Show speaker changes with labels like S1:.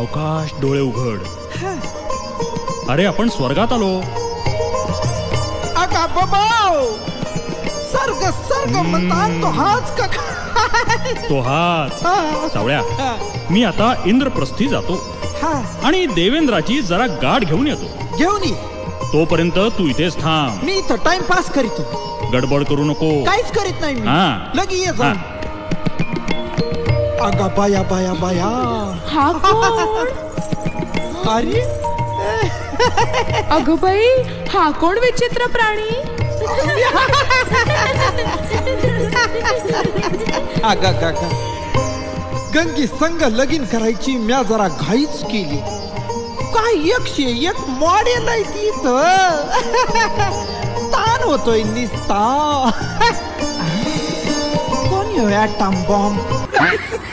S1: सावकाश डोळे उघड. अरे आपण स्वर्गात आलो.
S2: अगा बाबा, सर्ग सर्ग म्हणतात तो हाच का काय?
S1: तो हाच. सावळ्या, मी आता इंद्रप्रस्थी जातो आणि देवेंद्राची जरा गाठ घेऊन येतो.
S2: घेऊन ये.
S1: तोपर्यंत तू इथेच थांब.
S2: मी इथं टाइमपास करीतो.
S1: गडबड करू नको.
S2: काहीच करीत नाही मी.
S1: हा.
S2: लगी ये जा. अगा बाया बाया बाया.
S3: हा कोण?
S2: अरे
S3: अगं बाई, हा कोण विचित्र प्राणी?
S2: अगा गा गा. गंगी संग लगीन करायची म्या जरा घाईच केली. काय 101 मॉडेल आहे तिथं. ताण होतोय निस्ता. कोण ॲटम बॉम्ब?